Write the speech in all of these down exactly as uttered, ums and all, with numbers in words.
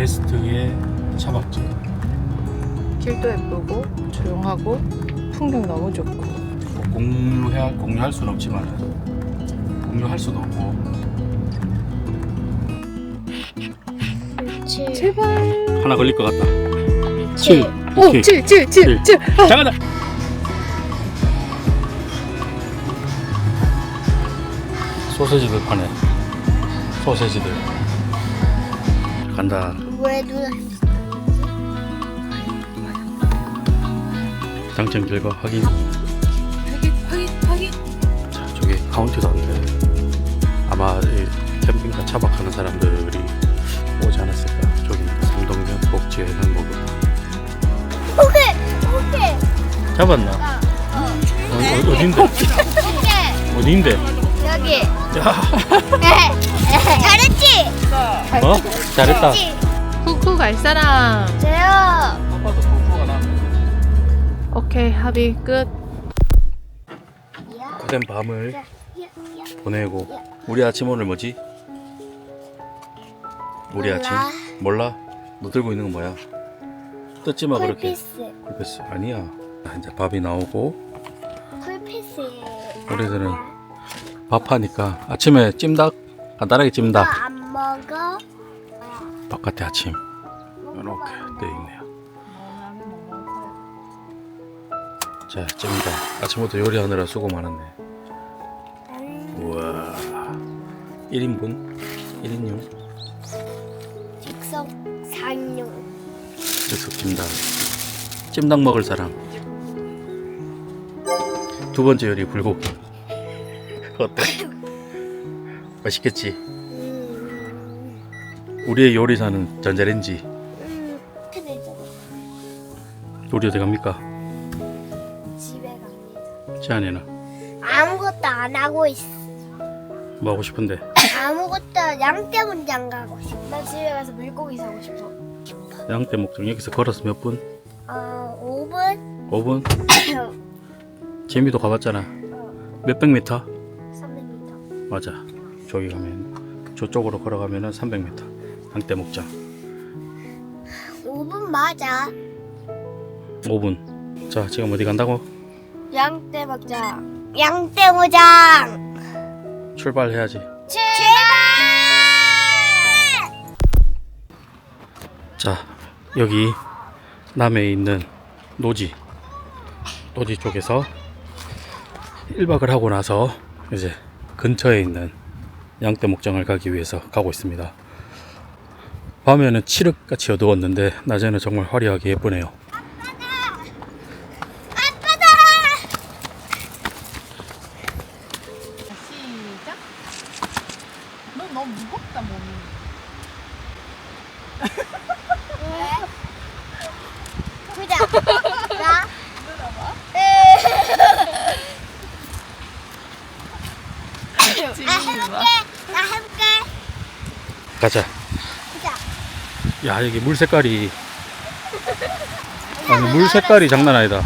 베스트의 차박지. 길도 예쁘고 조용하고 풍경 너무 좋고. 뭐 공유해 공유할 수는 없지만 공유할 수도 없고. 칠. 제발. 하나 걸릴 것 같다. 칠. 오, 오케이. 칠, 칠, 칠, 칠. 아. 잠깐만. 소세지들 파네. 소세지들. 간다. 왜 눌렀어? 당첨 결과 확인. 확인, 확인, 확인. 자, 저기 카운트도 안 돼. 아마 이 캠핑카 차박하는 사람들이 오지 않았을까. 저기 삼동면 복지의 행복을. 오케이, 오케이. 잡았나? 어, 어. 어, 어, 어딘데? 오케이. 어딘데? 여기. 야, 잘했지? 어? 잘했다. 잘했지? 후쿠 갈 사람. 저요. 아빠도 폭포가 나. 오케이, 합의 끝. 고된 밤을 보내고. 우리 아침 오늘 뭐지? 우리 몰라. 아침 몰라? 너 들고 있는 건 뭐야? 뜯지 마 그렇게. 쿨피스. 쿨피스 아니야. 자, 이제 밥이 나오고 쿨피스. 우리들은 밥하니까 아침에 찜닭 간단하게 찜닭. 이거 안 먹어? 바깥에 아침 이렇게 되어 있네요. 자, 찜닭. 아침부터 요리하느라 수고 많았네. 우와, 일 인분 일 인용 즉석 상용. 즉석 찜닭. 찜닭 먹을 사람. 두 번째 요리 불고기. 어때? 맛있겠지? 음. 우리의 요리사는 전자레인지. 음. 근데 있잖아. 우리 어디 갑니까? 집에 갑니다. 지안이는 아무것도 안 하고 있어. 뭐 하고 싶은데? 아무것도 양떼문장 가고 싶어. 나 집에 가서 물고기 사고 싶어. 양떼 목장 여기서 걸어서 몇 분? 어, 오 분? 오 분? 재미도 가봤잖아. 몇백 미터? 삼백 미터. 맞아. 저기 가면 저쪽으로 걸어가면은 삼백 미터. 양떼 목장. 오 분 맞아. 오 분. 자, 지금 어디 간다고? 양떼 먹자. 양떼무장. 출발해야지. 출발! 자, 여기 남해에 있는 노지 노지 쪽에서 일 박을 하고 나서 이제 근처에 있는 양떼 목장을 가기 위해서 가고 있습니다. 밤에는 칠흑같이 어두웠는데 낮에는 정말 화려하게 예쁘네요. 시작. 너 너무 무겁다 몸이. 보자. 나. 나 해볼게. 나 해볼게. 가자. 보자. 야, 여기 물 색깔이 아니 물 색깔이 장난 아니다.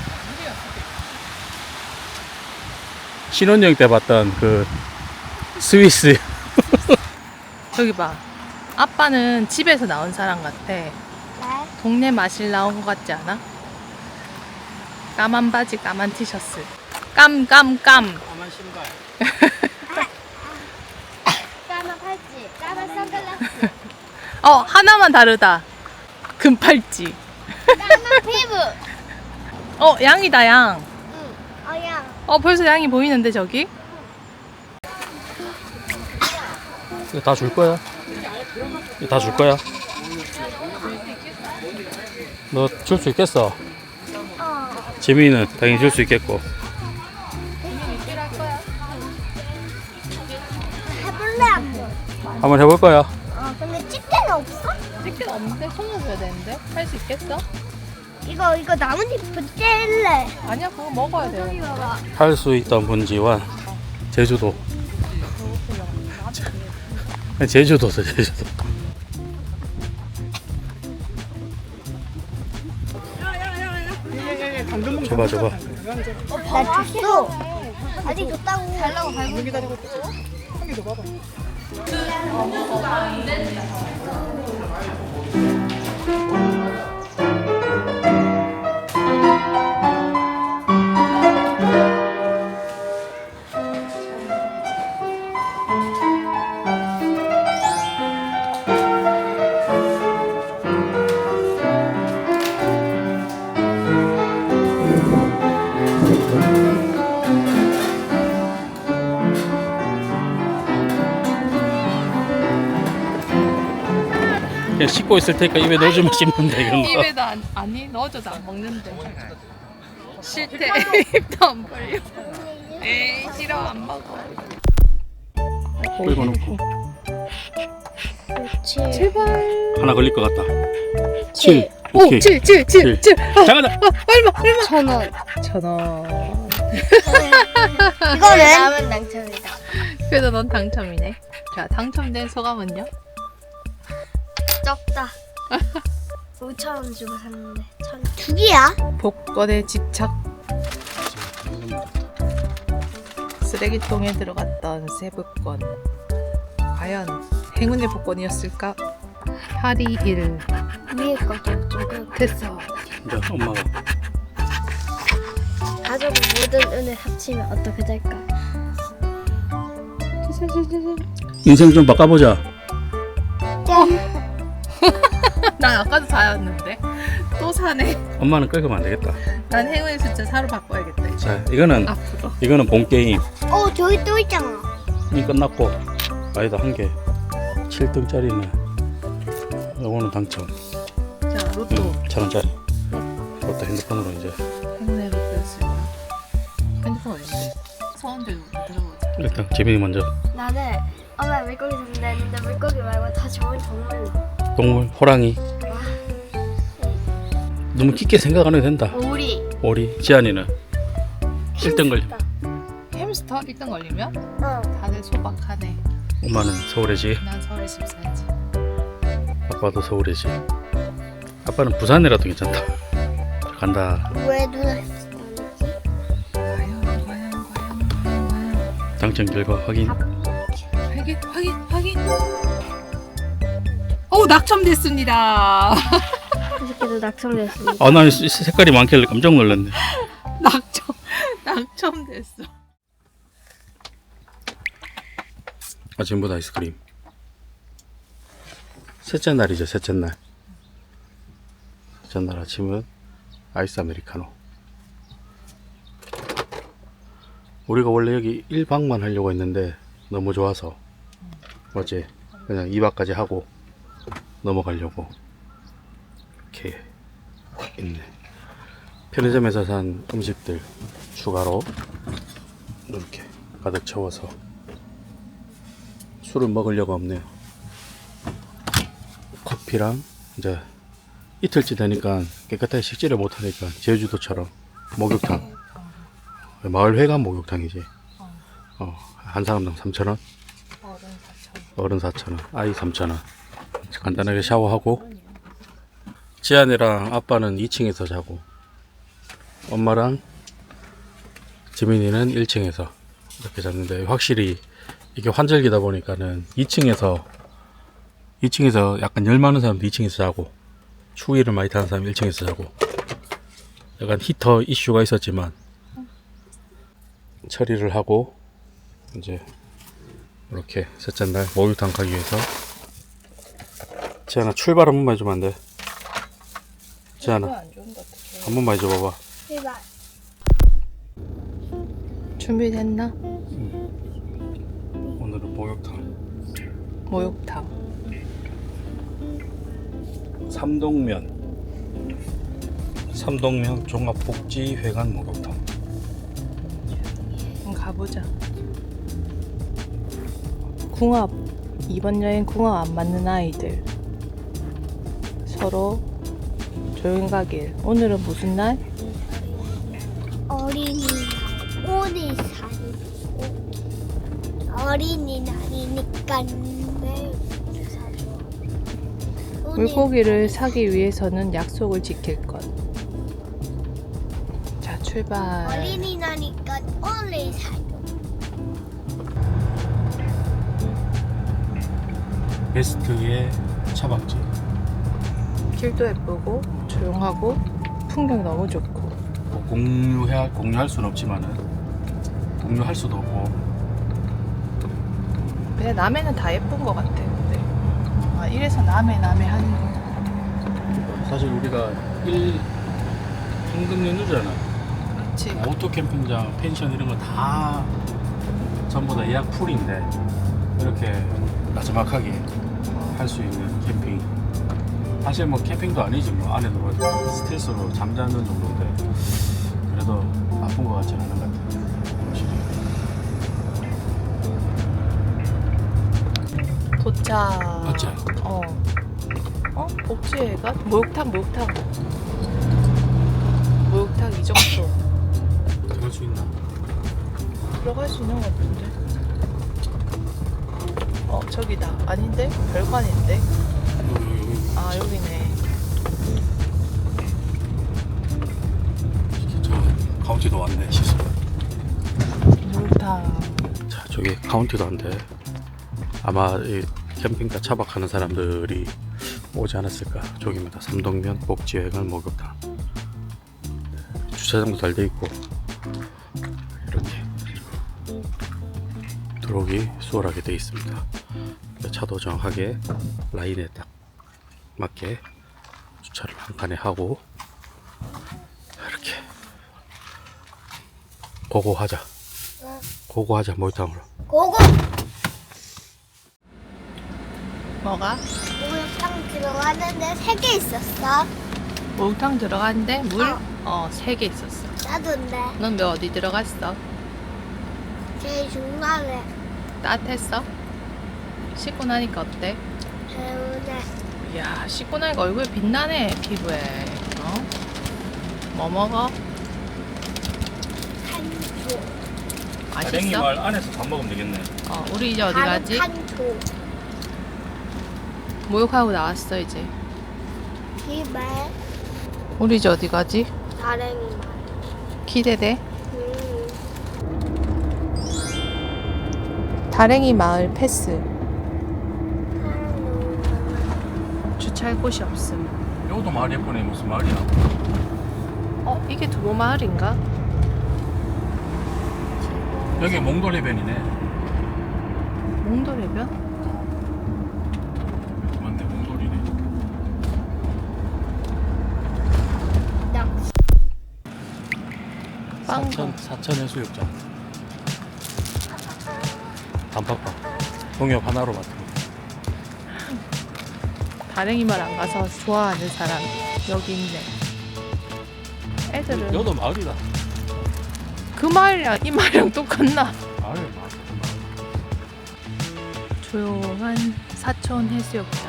신혼여행 때 봤던 그 스위스. 저기 봐. 아빠는 집에서 나온 사람 같아. 네. 동네 마실 나온 것 같지 않아? 까만 바지, 까만 티셔츠. 깜, 깜, 깜. 까만 신발. 까만 팔찌. 까만 선글라스. 어, 하나만 다르다. 금팔찌. 까만 피부. 어, 양이다, 양. 응. 어양. 어, 벌써 양이 보이는데, 저기? 이거 다 줄 거야? 이거 다 줄 거야? 너 줄 수 있겠어? 어. 재민이는 당연히 줄 수 있겠고. 해볼래 한번. 한번 해볼 거야. 어. 근데 집게는 없어? 찍기는 없는데 손으로 줘야 되는데? 할 수 있겠어? 이거 이거 나뭇잎 뗄래. 아니야, 그거 먹어야 돼. 여기 봐봐. 할 수 있던 분지와 제주도. 제주도서 제주도. 줘봐 줘봐. 나 줬어. 아직 줬다고. 달라고 밟고. 그냥 씻고 있을 테니까 입에 넣어주면 씹는다 이런 거. 입에도 안, 아니 넣어줘도 안 먹는데. 싫대. 입도 안 벌려. 에이 싫어 안 먹어. 끌고 놓고 그렇지. 제발. 하나 걸릴 것 같다. 칠. 오, 오케이. 칠, 칠, 칠, 칠. 아, 잠깐만. 아, 얼마, 얼마? 천 원. 천 원. 이거는 남은 당첨이다. 그래도 넌 당첨이네. 자, 당첨된 소감은요? 적다. 오천 원 주고 샀는데 천. 두 개야? 복권에 집착. 쓰레기통에 들어갔던 세부권. 과연 행운의 복권이었을까? 팔이 일. 위에 거좀 좀. 됐어. 이제 엄마가 가족 모든 은을 합치면 어떻게 될까? 인생 좀 바꿔보자. 짠. 난 아까도 사였는데 또 사네. 엄마는 끌면 안 되겠다. 난 행운의 숫자 사로 바꿔야겠다. 이제. 자, 이거는 앞으로. 이거는 본 게임. 어 저기 또 있잖아. 이 끝났고 아니다 한 개. 칠 등짜리는 요거는 당첨. 자, 로또. 응, 천 원짜리. 그것도 핸드폰으로 이제 행운의 로또였을까? 핸드폰 어딘데? 서원 들고 들어보자. 일단 재민이 먼저. 나는 엄마 물고기 샀는데 했는데 물고기 말고 다 좋은 동물로. 동물 호랑이. 너무 깊게 생각 안 해도 된다. 오리. 오리. 지안이는 일 등 걸려. 햄스터 일 등 걸리면 어. 다들 소박하네. 엄마는 서울이지. 난 서울에 집 살지. 아빠도 서울이지. 아빠는 부산이라도 괜찮다. 간다. 왜 누나 했지? 과연 과연 과연 과연 과연. 당첨 결과 확인. 확인 확인 확인. 오 낙첨됐습니다. 이렇게도 낙성됐습니다. 아, 나 색깔이 많길래 깜짝 놀랐네. 낙첨 낙첨됐어. 아침보다 아이스크림. 셋째 날이죠, 셋째 날. 셋째 날 아침은 아이스 아메리카노. 우리가 원래 여기 일 박만 하려고 했는데 너무 좋아서 어제 그냥 이 박까지 하고 넘어가려고 이렇게 있네. 편의점에서 산 음식들 추가로 이렇게 가득 채워서 술을 먹으려고 없네요. 커피랑 이제 이틀째 되니까 깨끗하게 식지를 못하니까 제주도처럼 목욕탕, 마을 회관 목욕탕이지. 어, 한 사람당 삼천 원, 어른 사천 원, 아이 삼천 원. 간단하게 샤워하고 지안이랑 아빠는 이 층에서 자고 엄마랑 지민이는 일 층에서 이렇게 잤는데 확실히 이게 환절기다 보니까는 이 층에서 이 층에서 약간 열 많은 사람도 이 층에서 자고 추위를 많이 타는 사람이 일 층에서 자고 약간 히터 이슈가 있었지만 처리를 하고 이제 이렇게 셋째 날 목욕탕 가기 위해서 지안아 출발 한 번만 해주면 안 돼? 지안아 한 번만 해줘봐봐. 제발. 준비됐나? 오늘은 목욕탕 목욕탕. 삼동면 삼동면 종합복지회관 목욕탕. 한번 가보자. 궁합. 이번 여행 궁합 안 맞는 아이들. 서로 조용히 가길. 오늘은 무슨 날? 어린이 오리 살이 어린이날이니까 내 사줘. 오늘 물고기를 사기 위해서는 약속을 지킬 것. 자, 출발. 어린이날이니까 오리 사줘. 베스트의 차박지. 길도 예쁘고 조용하고 풍경 너무 좋고. 뭐 공유해 공유할 수는 없지만은 공유할 수도 없고. 근데 남해는 다 예쁜 것 같아. 근데 아 이래서 남해 남해 하는 거. 사실 우리가 일 황금 연휴잖아. 그렇지. 오토 캠핑장, 펜션 이런 거 다 전부 다 예약 풀인데 이렇게 나지막하게 할 수 있는 캠핑 사실 뭐 캠핑도 아니지 뭐 안에서 뭐 스텔스로 잠자는 정도인데 그래도 나쁜 것 같지는 않은 것 같아요. 확실히. 도착. 맞지? 어. 어? 복지회가? 목욕탕, 목욕탕. 목욕탕 이 정도. 들어갈 수 있나? 들어갈 수 있는 것 같은데. 어, 저기다. 아닌데? 별관인데? 아, 여기네. 저 카운티도 왔네 시소. 목욕탕. 자 저기 카운티도 한데 아마 이 캠핑카 차박하는 사람들이 오지 않았을까. 저기입니다. 삼동면 복지회관 목욕탕. 주차장도 잘 돼 있고 이렇게 들어오기 수월하게 돼 있습니다. 차도 정확하게 라인에 딱 맞게 주차를 한 칸에 하고 이렇게 고고하자. 고고하자 목욕탕으로. 고고. 뭐가? 목욕탕 들어가는데 세 개 있었어. 목욕탕 들어갔는데 물? 어. 어, 세 개 있었어. 나도인데 넌 왜 어디 들어갔어? 제일 중간에 따뜻했어? 씻고 나니까 어때? 배우네. 이야, 씻고 나니까 얼굴 빛나네, 피부에. 어? 뭐 먹어? 한조. 맛있어? 말 안에서 밥 먹으면 되겠네. 어, 우리 이제 어디 가지? 한조. 목욕하고 나왔어, 이제. 집에 우리 이제 어디 가지? 다랭이 말. 기대돼. 음. 다랭이 마을 패스. 사람 너무 많아. 주차할 곳이 없음. 여기도 마을 예쁘네. 무슨 마을이야? 어, 이게 두보 마을인가? 여기 몽돌해변이네. 몽돌해변? 맞네, 몽돌이네. 낚시. 빵. 사천 사천 해수욕장. 단팥빵. 동엽 하나로 맡은. 다랭이 말 안 가서 좋아하는 사람 여기 있네. 애들은 여도 마을이다. 그 말이랑 이 말이랑 똑같나? 마을 마을. 조용한 사촌 해수욕장.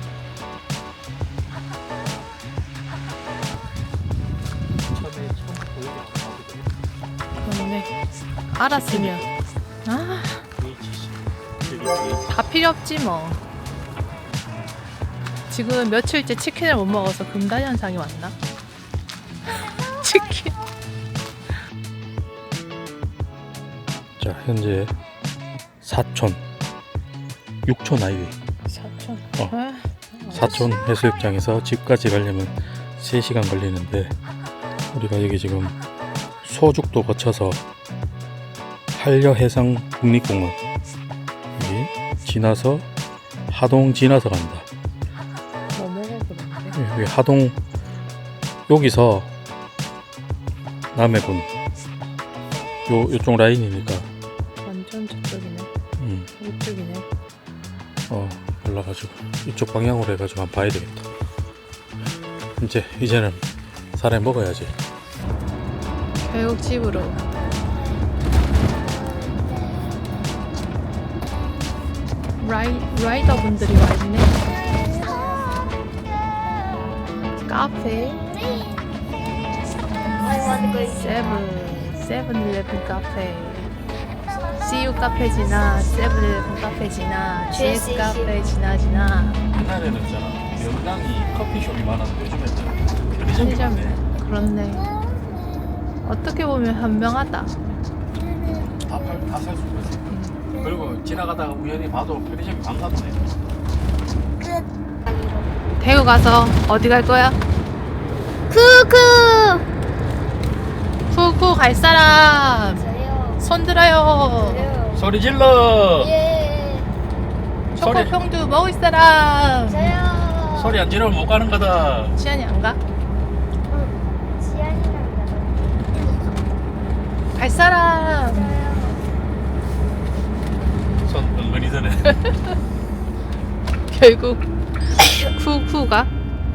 처음에 처음 보이게 안 그렇네. 알았으면 아, 나오거든. 다 필요 없지 뭐. 지금 며칠째 치킨을 못 먹어서 금단 현상이 왔나? 치킨. 자 현재 사촌 육촌 아이웨이 사촌. 어. 아, 사촌 해수욕장에서 집까지 가려면 세 시간 걸리는데 우리가 여기 지금 소죽도 거쳐서 한려해상 국립공원 여기 지나서 하동 지나서 간다. 뭐 먹어 그런데? 여기 하동 여기서 남해군 요 요쪽 라인이니까 완전 저쪽이네. 음, 이쪽이네. 어 올라가지고 이쪽 방향으로 해가지고 한번 봐야 되겠다. 이제 이제는 사람이 먹어야지. 결국 집으로. 라이, 라이더 분들이 와 있네. 카페. 세븐. 세븐일레븐 카페. 씨유 카페 지나, 세븐일레븐 카페 지나, 지에스 카페 지나 지나. 옛날에는 있잖아 명당이 커피숍이 많았는데 요즘에는 편의점이 편의점. 많네. 그렇네. 어떻게 보면 현명하다. 다팔다살 수가 있어. 그리고 지나가다가 우연히 봐도 편의점이 반갑네. 끝. 대구 가서 어디 갈 거야? 크크. 후쿠 갈 사람 저요. 손 들어요. 저요. 소리 질러. 예. 소리. 초코평두 먹을 사람. 저요. 소리 안 지르면 못 가는 거다. 시안이 안 가? 응. 지안이랑 나도. 갈 사람. 저요. 손 은근히 드네. 결국 후쿠가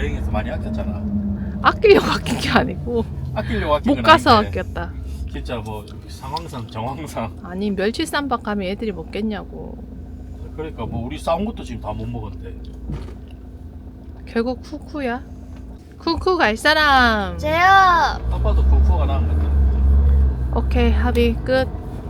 여행에서 많이 아꼈잖아. 아끼려고 아낀 게 아니고 아끼려고 아낀 못 건 가서 아닌데 아꼈다. 진짜 뭐 상황상 정황상 아니 멸치쌈밥 가면 애들이 먹겠냐고. 그러니까 뭐 우리 싸운 것도 지금 다 못 먹었는데. 결국 쿠쿠야. 쿠쿠 갈 사람. 저요. 아빠도 쿠쿠가 나은 것 같아. 오케이 합의 끝.